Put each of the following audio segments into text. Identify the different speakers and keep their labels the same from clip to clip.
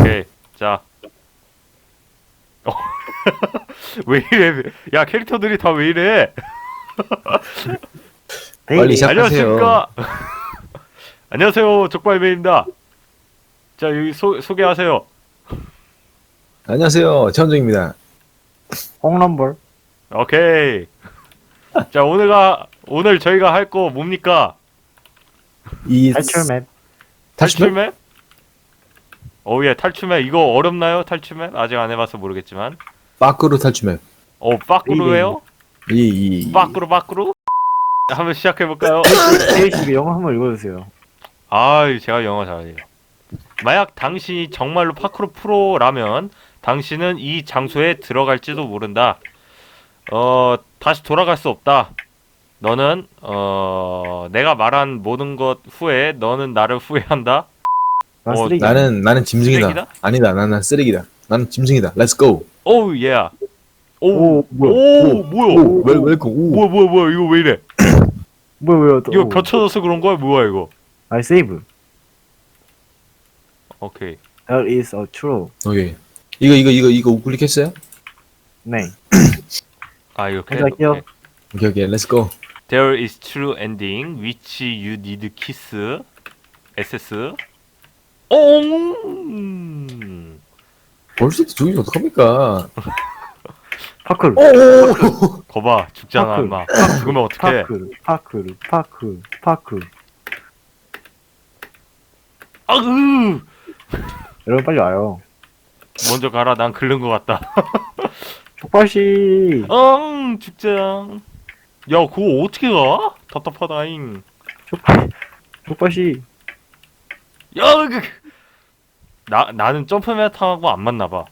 Speaker 1: 오케이. 자. 왜 이래? 야, 캐릭터들이 다 왜 이래?
Speaker 2: 빨리 시작하세요.
Speaker 1: 안녕하십니까? 안녕하세요. 족발맨입니다. 자, 여기 소개하세요.
Speaker 2: 안녕하세요. 최원정입니다.
Speaker 3: 홍럼벌.
Speaker 1: 오케이. 자, 오늘 저희가 할 거 뭡니까?
Speaker 2: 이
Speaker 3: 탈출맵.
Speaker 1: 탈출맵? 예, 탈출맵. 이거 어렵나요? 탈출맵? 아직 안 해봐서 모르겠지만.
Speaker 2: 빠꾸로 탈출맵.
Speaker 1: 빠꾸로 해요? 빠꾸로? 한번 시작해볼까요?
Speaker 3: 제이씨가 영어 한번 읽어주세요.
Speaker 1: 제가 영어 잘해요. 만약 당신이 정말로 파크로 프로라면 당신은 이 장소에 들어갈지도 모른다. 다시 돌아갈 수 없다. 너는 내가 말한 모든 것 후에 너는 나를 후회한다.
Speaker 3: 난
Speaker 1: 어,
Speaker 3: 쓰레기.
Speaker 2: 나는 짐승이다.
Speaker 1: 쓰레기다?
Speaker 2: 아니다. 나는 쓰레기다. 나는 짐승이다. Let's go.
Speaker 1: 오우 예.
Speaker 3: 오, 뭐야?
Speaker 1: 오 뭐야?
Speaker 2: 오, 웰컴. 오.
Speaker 1: 뭐야 이거 왜 이래?
Speaker 3: 뭐야 또?
Speaker 1: 이거 겹쳐져서 그런 거야? 뭐야 이거?
Speaker 3: 아이 세이브.
Speaker 1: 오케이.
Speaker 3: There is a true.
Speaker 2: 오케이. 이거 우클릭했어요?
Speaker 3: 네.
Speaker 1: 이렇게.
Speaker 3: 할게요.
Speaker 2: 오케이. Let's go.
Speaker 1: There is true ending which you need kiss. SS.
Speaker 2: 벌써 죽이면 어떡합니까?
Speaker 3: 파크르.
Speaker 2: 오.
Speaker 1: 거봐 죽잖아
Speaker 3: 파크.
Speaker 1: 인마. 죽으면 어떡해?
Speaker 3: 파크르. 여러분 빨리 와요.
Speaker 1: 먼저 가라. 난 긁는 것 같다.
Speaker 3: 족발씨.
Speaker 1: 죽자. 야, 그거 어떻게 가? 답답하다잉.
Speaker 3: 족발씨.
Speaker 1: 야, 나는 점프맨 타고 안 맞나 봐.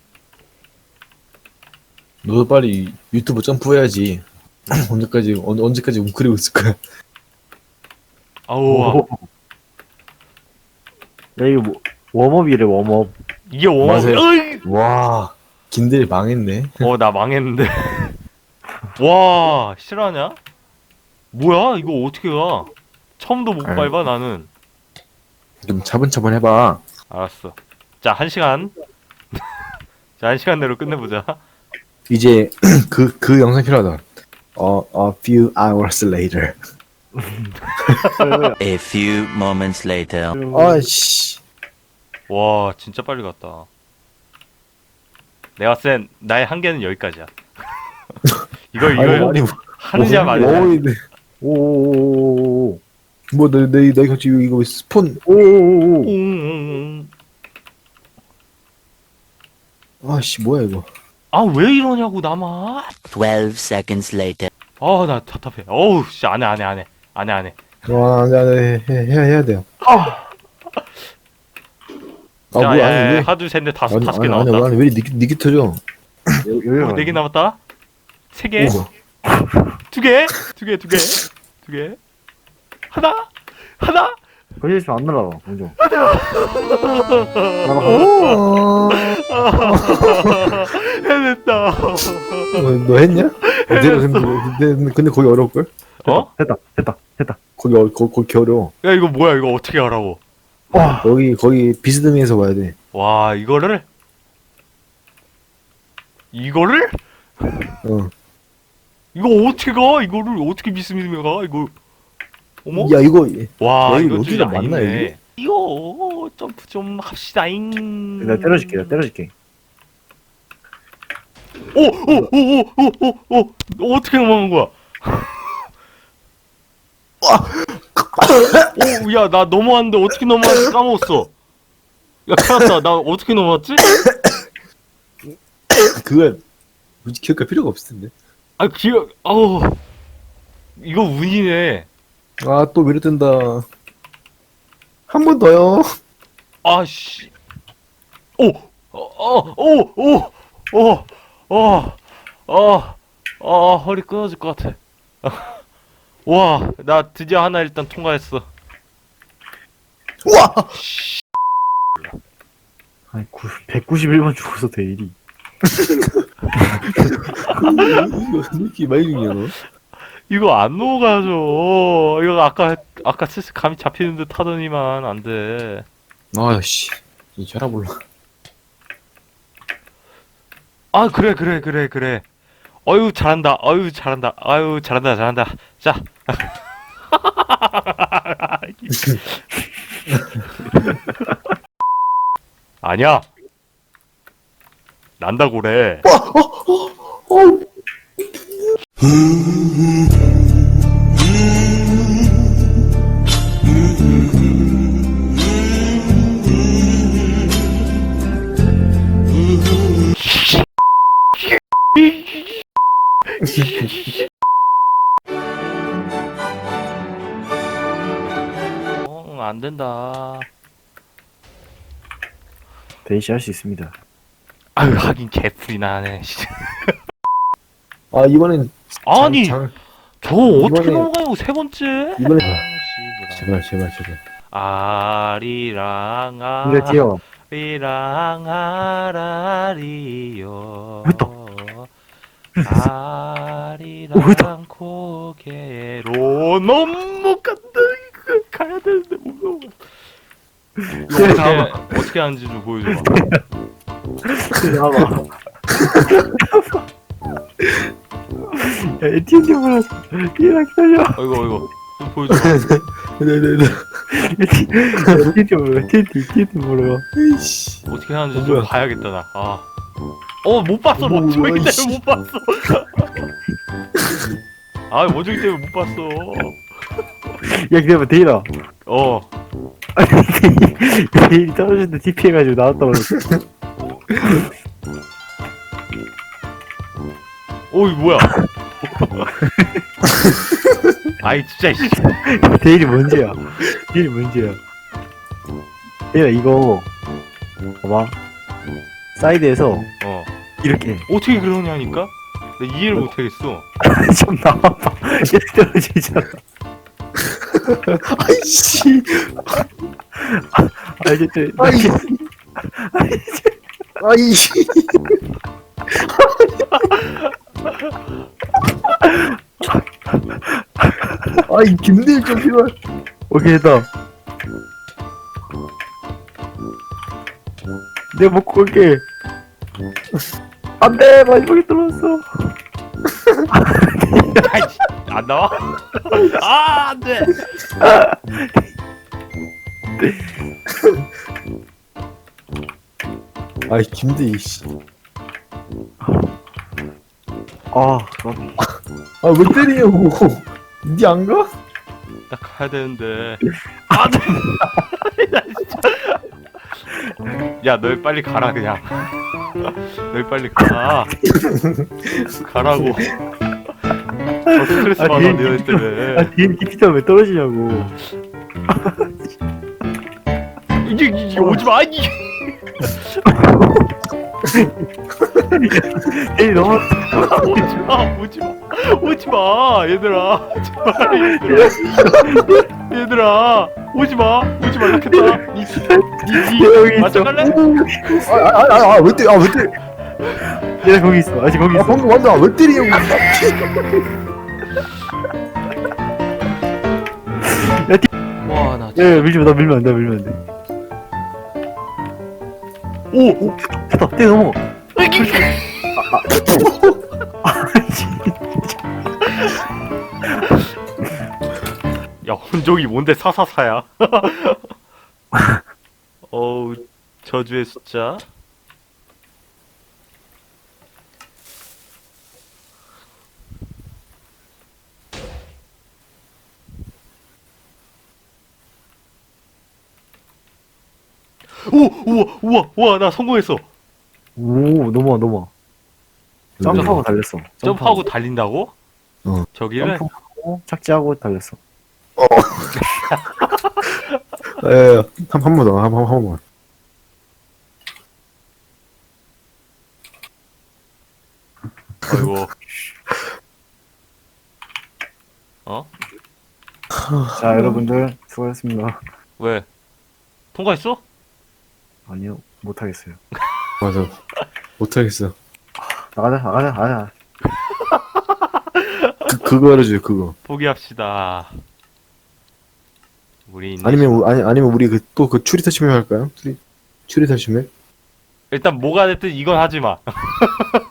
Speaker 2: 너도 빨리 유튜브 점프해야지. 언제까지 웅크리고 있을 거야?
Speaker 1: 아우,
Speaker 3: 야 이거 뭐 웜업이래 웜업.
Speaker 1: 이게 원어.
Speaker 2: 맞아요. 와, 김대리 망했네.
Speaker 1: 나 망했는데. 와, 실화냐? 뭐야, 이거 어떻게 가? 처음도 못
Speaker 2: 아유.
Speaker 1: 밟아 나는.
Speaker 2: 좀 차분차분 해봐.
Speaker 1: 알았어. 자, 1시간. 자, 1시간 내로 끝내보자.
Speaker 2: 이제 그 영상 필요하다. A few hours later.
Speaker 4: A few moments later.
Speaker 2: 아씨.
Speaker 1: 와, 진짜 빨리 갔다. 내가 센 나의 한계는 여기까지야. 이거
Speaker 2: 아니,
Speaker 1: 하느냐 마느냐.
Speaker 3: 오오오오오.
Speaker 2: 내 갑자기 이거 스폰.
Speaker 3: 오오오오.
Speaker 2: 아씨 뭐야 이거.
Speaker 1: 왜 이러냐고 나만.
Speaker 4: 12 seconds later.
Speaker 1: 나 답답해. 어우 씨, 안 해.
Speaker 2: 와, 안돼 해야 돼요.
Speaker 1: 자,
Speaker 2: 뭐야 아니 왜?
Speaker 1: 하나 둘 셋 넷 다섯 개
Speaker 2: 아니
Speaker 1: 나왔다.
Speaker 2: 왜 니기 터져?
Speaker 3: 여기가.
Speaker 1: 4개 남았다. 3개.
Speaker 2: 오.
Speaker 1: 2개. 하나.
Speaker 3: 거기 있으면 안 날아가. 먼저.
Speaker 1: 해냈다.
Speaker 2: 너 했냐? 근데 거기 어려울 걸?
Speaker 3: 됐다.
Speaker 2: 거기 어려워.
Speaker 1: 야, 이거 뭐야? 이거 어떻게 하라고?
Speaker 3: 와.
Speaker 2: 거기 비스듬히해서 봐야 돼.
Speaker 1: 와, 이거를
Speaker 2: 어.
Speaker 1: 이거 어떻게 가? 이거를 어떻게 미스미스해 가? 이거. 어머?
Speaker 2: 야 이거
Speaker 1: 와,
Speaker 2: 여기
Speaker 1: 이거
Speaker 2: 여기가 맞나,
Speaker 1: 아니네. 이거 점프 좀 합시다잉.
Speaker 3: 내가 때려줄게.
Speaker 1: 오, 어떻게 넘어간 거야? 오, 야, 나 넘어왔는데 어떻게 넘어왔는지 까먹었어. 야, 큰일 났다. 나 어떻게 넘어왔지?
Speaker 2: 그건 굳이 기억할 필요가 없을 텐데.
Speaker 1: 이거 운이네.
Speaker 2: 아 또 미루뜬다. 한 번 더요.
Speaker 1: 아씨. 허리 끊어질 것 같아. 와, 나 드디어 하나 일단 통과했어.
Speaker 2: 우와.
Speaker 3: 아니 191번 죽어서 돼 일이.
Speaker 2: 이거 느낌 많이 중요해 너.
Speaker 1: 이거 안 넘어가죠. 이거 아까 슬슬 감이 잡히는 듯 하더니만 안 돼.
Speaker 2: 아씨 이 혈압 올라.
Speaker 1: 아, 그래. 어유, 잘한다. 잘한다. 자. 아니야. 난다고 그래. 안 된다.
Speaker 3: 데이씨 할 수 있습니다.
Speaker 1: 아유, 하긴 개풀이 나네.
Speaker 2: 아 이번엔
Speaker 1: 아니,
Speaker 2: 장,
Speaker 1: 저 어떻게
Speaker 2: 이번에-
Speaker 1: 넘어가요? 세 번째?
Speaker 2: 이번에
Speaker 1: 씨부라.
Speaker 2: 제발.
Speaker 1: 아리랑
Speaker 3: 근데 뛰어.
Speaker 1: 아리랑 아라리요.
Speaker 3: 왜 또?
Speaker 1: 아리랑 고개로 넘어간다. 이거 가야 되는데 못 넘어. 이거 어떻게 하는지 좀 보여줘봐.
Speaker 3: 나와봐. 야, 에티엔티 몰랐어. 기다려.
Speaker 1: 이거 좀 보여줘봐.
Speaker 2: 네네네.
Speaker 3: 에티엔티 몰라. 에티엔티 몰라.
Speaker 2: 에이씨.
Speaker 1: 어떻게 하는지 좀
Speaker 2: 뭐야?
Speaker 1: 봐야겠다 나. 아. 못 봤어.
Speaker 2: 뭐야,
Speaker 1: 원종이 때문에
Speaker 2: 이씨.
Speaker 1: 못 봤어. 아, 원종이 때문에 못 봤어.
Speaker 3: 야, 기다려봐, 데이라.
Speaker 1: 어.
Speaker 3: 데일이 떨어졌는데 TP 해가지고 나왔다고 그랬어.
Speaker 1: 어이 뭐야? 아이 진짜 씨.
Speaker 3: 데일이 뭔지야. 데일이 뭔지야. 데일아, 이거. 봐봐. 사이드에서
Speaker 1: 어.
Speaker 3: 이렇게.
Speaker 1: 어떻게 그러냐니까? 나 이해를 못 하겠어.
Speaker 3: 좀 나와봐. 얘 떨어지잖아.
Speaker 2: 아이씨.
Speaker 3: 아, 이제 또.
Speaker 2: 아이씨. 아이씨. 아이 김대일 좀 필요해.
Speaker 3: 오케이, 했다. 내가 먹고 올게. 안 돼! 마지막에 떨어졌어.
Speaker 1: 아이씨, 안 나와? 아, 안 돼.
Speaker 2: 아이 김대일 씨.
Speaker 3: 아,
Speaker 2: 아왜 때리냐고. 니 안 가?
Speaker 1: 나 가야 되는데. 안 돼. 나 진짜. 야, 너희 빨리 가라 그냥. 너희 빨리 가. 가라고. 스트레스
Speaker 3: 아,
Speaker 1: 받아
Speaker 3: 뒤에
Speaker 1: 너희 때문에.
Speaker 3: 아, 뒤에 TP가 왜 떨어지냐고.
Speaker 1: 이게 오지 마. 이게.
Speaker 3: 에이, 너무.
Speaker 1: 오지 마, 얘들아. 제발, 얘들아. 오지 말라 했다.
Speaker 3: 여기 있어.
Speaker 1: 맞춰갈래?
Speaker 2: 아왜 때려? 왜 때려?
Speaker 3: 얘 거기 있어. 아직 거기
Speaker 2: 아
Speaker 3: 있어.
Speaker 2: 방금 완전 왜 때리냐고.
Speaker 1: 와, 나
Speaker 3: 야, 밀지 마. 나 밀면 안 돼. 밀면 안 돼. 오! 됐다. 떼 넘어.
Speaker 1: 야, 혼종이 뭔데 사사사야? 어우, 저주의 숫자. 우와, 나 성공했어.
Speaker 3: 오, 넘어. 점프하고 달렸어.
Speaker 1: 점프하고 달린다고?
Speaker 2: 어.
Speaker 1: 저기를?
Speaker 3: 점프하고 착지하고 달렸어.
Speaker 2: 예, 한 번 더, 한 번.
Speaker 1: 아이고. 어?
Speaker 3: 자, 여러분들 수고하셨습니다.
Speaker 1: 왜? 통과했어?
Speaker 3: 아니요, 못하겠어요.
Speaker 2: 맞아. 못하겠어.
Speaker 3: 나가자.
Speaker 2: 그거 알아줘요, 그거.
Speaker 1: 포기합시다. 우리
Speaker 2: 아니면 우리 또 그 추리 터치맵 할까요? 추리 터치맵?
Speaker 1: 일단 뭐가 됐든 이건 하지 마.